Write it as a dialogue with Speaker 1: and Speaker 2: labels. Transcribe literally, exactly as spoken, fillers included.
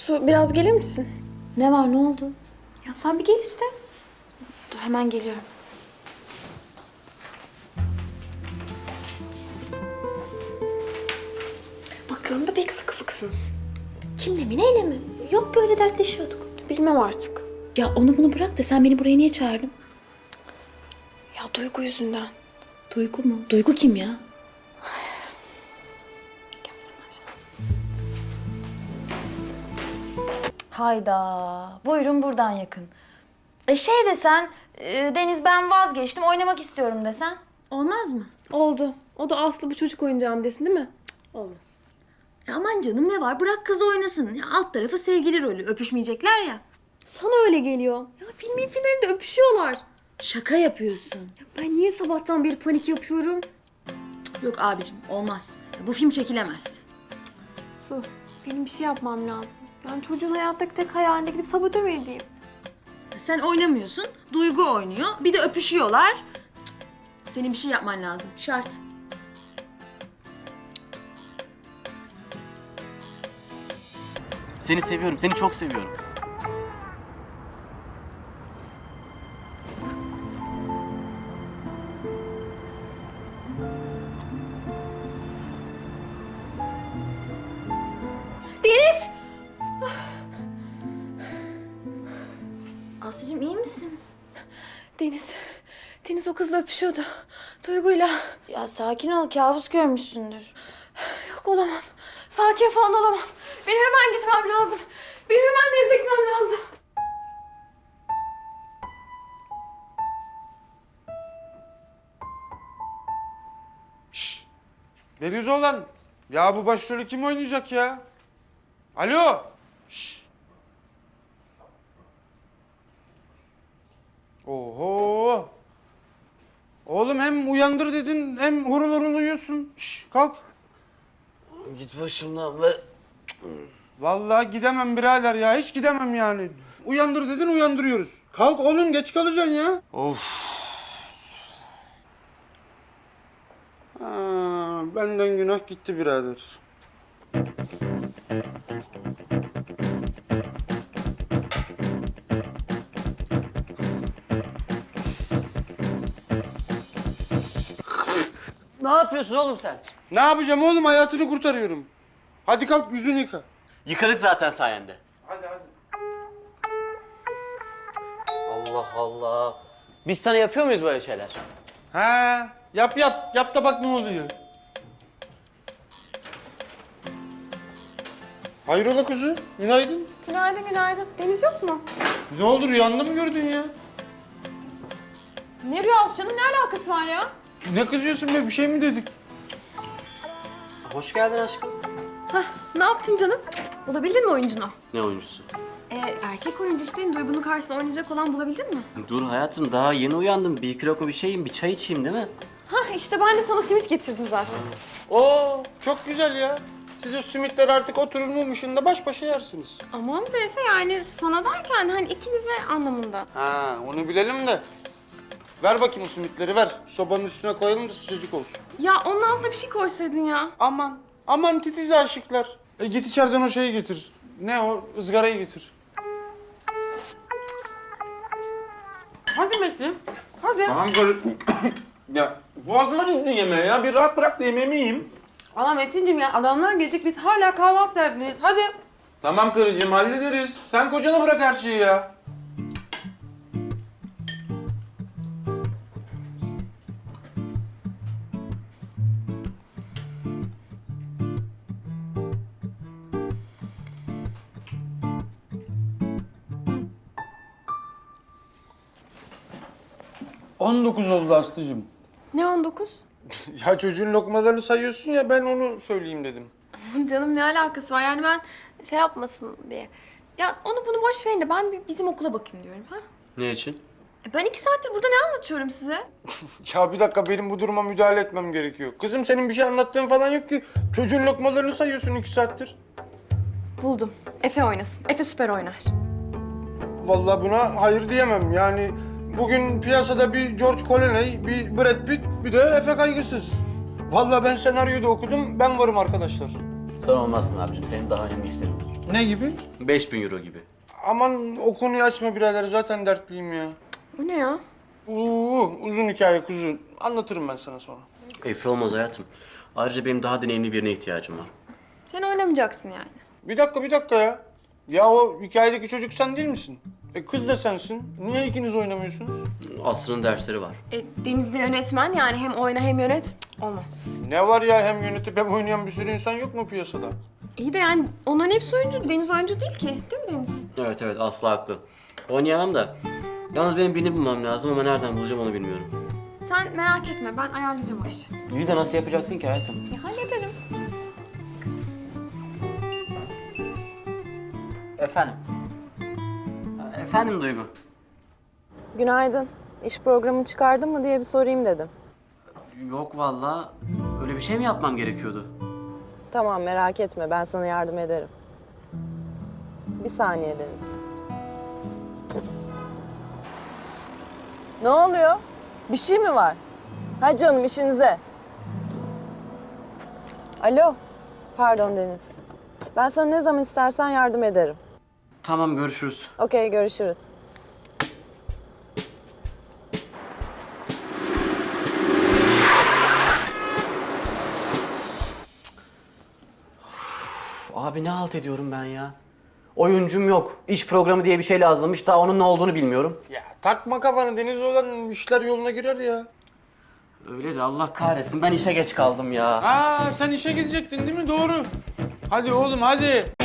Speaker 1: Su biraz gelir misin?
Speaker 2: Ne var, ne oldu?
Speaker 1: Ya sen bir gel işte. Dur hemen geliyorum. Bakıyorum da pek sıkı fıkısınız.
Speaker 2: Kimle mi, neyle mi? Yok, böyle dertleşiyorduk.
Speaker 1: Bilmem artık.
Speaker 2: Ya onu bunu bırak da sen beni buraya niye çağırdın?
Speaker 1: Ya Duygu yüzünden.
Speaker 2: Duygu mu? Duygu kim ya?
Speaker 1: Gelsene aşağı.
Speaker 2: Hayda. Buyurun buradan yakın. E şey desen, e, Deniz ben vazgeçtim, oynamak istiyorum desen. Olmaz mı?
Speaker 1: Oldu. O da Aslı bu çocuk oyuncağım desin değil mi? Cık, olmaz.
Speaker 2: Ya aman canım ne var? Bırak kız oynasın. Ya alt tarafı sevgili rolü. Öpüşmeyecekler ya.
Speaker 1: Sana öyle geliyor. Ya filmin finalinde öpüşüyorlar.
Speaker 2: Şaka yapıyorsun.
Speaker 1: Ya ben niye sabahtan beri panik yapıyorum?
Speaker 2: Yok abicim olmaz. Ya bu film çekilemez.
Speaker 1: Su, benim bir şey yapmam lazım. Yani çocuğun hayattaki tek hayalinde gidip sabote mi edeyim?
Speaker 2: Ya sen oynamıyorsun. Duygu oynuyor. Bir de öpüşüyorlar. Cık. Senin bir şey yapman lazım. Şart.
Speaker 3: Seni seviyorum, seni çok seviyorum.
Speaker 1: Deniz!
Speaker 2: Aslıcığım iyi misin?
Speaker 1: Deniz, Deniz o kızla öpüşüyordu. Duygu'yla.
Speaker 2: Ya sakin ol. Kabus görmüşsündür.
Speaker 1: Yok olamam. Sakin falan olamam. Benim hemen gitmem lazım. Benim hemen Deniz'e gitmem lazım.
Speaker 4: Deniz olan. Ya bu başrolü kim oynayacak ya? Alo. Şşş. Oho. Oğlum hem uyandır dedin hem horul horul uyuyorsun. Şşş, kalk.
Speaker 3: Git başımdan be.
Speaker 4: Vallahi gidemem birader ya. Hiç gidemem yani. Uyandır dedin uyandırıyoruz. Kalk oğlum geç kalacaksın ya.
Speaker 3: Of.
Speaker 4: Ha, benden günah gitti birader.
Speaker 3: Ne yapıyorsun oğlum sen?
Speaker 4: Ne yapacağım oğlum? Hayatını kurtarıyorum. Hadi kalk yüzünü yıka.
Speaker 3: Yıkadık zaten sayende.
Speaker 4: Hadi hadi.
Speaker 3: Allah Allah. Biz sana yapıyor muyuz böyle şeyler?
Speaker 4: He, yap yap. Yap da bak ne oluyor. Hayrola kuzu? Günaydın.
Speaker 1: Günaydın, günaydın. Deniz yok mu?
Speaker 4: Ne oldu rüyanda mı gördün ya?
Speaker 1: Ne rüyası canım? Ne alakası var ya?
Speaker 4: Ne kızıyorsun be? Bir şey mi dedik?
Speaker 3: Hoş geldin aşkım.
Speaker 1: Hah, ne yaptın canım? Bulabildin mi oyuncunu?
Speaker 3: Ne oyuncusu?
Speaker 1: Ee, erkek oyuncu işte Duygu'nun karşısında oynayacak olan bulabildin mi?
Speaker 3: Dur hayatım, daha yeni uyandım. Bir iki lokma bir şeyim, bir çay içeyim değil mi?
Speaker 1: Hah, işte ben de sana simit getirdim zaten.
Speaker 4: Oo, çok güzel ya. Siz o simitler artık oturur mumuşun da baş başa yersiniz.
Speaker 1: Aman be Efe, yani sana derken hani ikinize anlamında.
Speaker 4: Ha, onu bilelim de. Ver bakayım o simitleri ver. Sobanın üstüne koyalım da sıcacık olsun.
Speaker 1: Ya onun altına bir şey koysaydın ya.
Speaker 4: Aman, aman titiz aşıklar. E git içeriden o şeyi getir. Ne o? Izgarayı getir.
Speaker 5: Hadi Metin. Hadi.
Speaker 6: Tamam böyle... ya boğazıma dizdi yemeği ya. Bir rahat bırak da yemeğimi yiyeyim.
Speaker 5: Ama Metin'cim ya adamlar gelecek biz hala kahvaltı derdindeyiz. Hadi.
Speaker 6: Tamam karıcığım hallederiz. Sen kocana bırak her şeyi ya.
Speaker 4: on dokuz oldu Aslı'cığım.
Speaker 1: Ne on dokuz?
Speaker 4: Ya çocuğun lokmalarını sayıyorsun ya ben onu söyleyeyim dedim.
Speaker 1: Canım ne alakası var yani ben şey yapmasın diye. Ya onu bunu boş verin de ben bir bizim okula bakayım diyorum ha.
Speaker 3: Ne için?
Speaker 1: E ben iki saattir burada ne anlatıyorum size?
Speaker 4: Ya bir dakika benim bu duruma müdahale etmem gerekiyor. Kızım senin bir şey anlattığın falan yok ki. Çocuğun lokmalarını sayıyorsun iki saattir.
Speaker 1: Buldum. Efe oynasın. Efe süper oynar.
Speaker 4: Vallahi buna hayır diyemem. Yani bugün piyasada bir George Clooney, bir Brad Pitt, bir de Efe Kaygısız. Vallahi ben senaryoyu da okudum. Ben varım arkadaşlar.
Speaker 3: Sen olmazsın abicim. Senin daha önemli işlerin var.
Speaker 4: Ne gibi?
Speaker 3: beş bin euro gibi.
Speaker 4: Aman o konuyu açma birader, zaten dertliyim ya.
Speaker 1: O ne ya?
Speaker 4: Uuu, uzun hikaye kuzu. Anlatırım ben sana sonra.
Speaker 3: Efe olmaz hayatım. Ayrıca benim daha deneyimli birine ihtiyacım var.
Speaker 1: Sen oynamayacaksın yani.
Speaker 4: Bir dakika, bir dakika ya. Ya o hikayedeki çocuk sen değil misin? E kız da sensin. Niye ikiniz oynamıyorsunuz?
Speaker 3: Aslı'nın dersleri var.
Speaker 1: E, Deniz de yönetmen yani hem oyna hem yönet. Cık, olmaz.
Speaker 4: Ne var ya, hem yönetip hem oynayan bir sürü insan yok mu piyasada?
Speaker 1: İyi de yani onların hepsi oyuncu. Deniz oyuncu değil ki. Değil mi Deniz?
Speaker 3: Evet evet Aslı haklı. Oynayamam da. Yalnız benim birini bulmam lazım ama nereden bulacağım onu bilmiyorum.
Speaker 1: Sen merak etme. Ben ayarlayacağım o işi.
Speaker 3: İyi de nasıl yapacaksın ki hayatım?
Speaker 1: Ya hallederim.
Speaker 3: Efendim? Efendim Duygu?
Speaker 7: Günaydın. İş programını çıkardın mı diye bir sorayım dedim.
Speaker 3: Yok vallahi. Öyle bir şey mi yapmam gerekiyordu?
Speaker 7: Tamam, merak etme, ben sana yardım ederim. Bir saniye Deniz. Ne oluyor? Bir şey mi var? Ha canım, işinize. Alo. Pardon Deniz. Ben sana ne zaman istersen yardım ederim.
Speaker 3: Tamam görüşürüz.
Speaker 7: Okey, görüşürüz.
Speaker 3: Abi ne halt ediyorum ben ya? Oyuncum yok. İş programı diye bir şey lazımmış. Daha onun ne olduğunu bilmiyorum.
Speaker 4: Ya takma kafanı Deniz, olan işler yoluna girer ya.
Speaker 3: Öyle de Allah kahretsin ben işe geç kaldım ya.
Speaker 4: Aa, sen işe gidecektin değil mi? Doğru. Hadi oğlum hadi.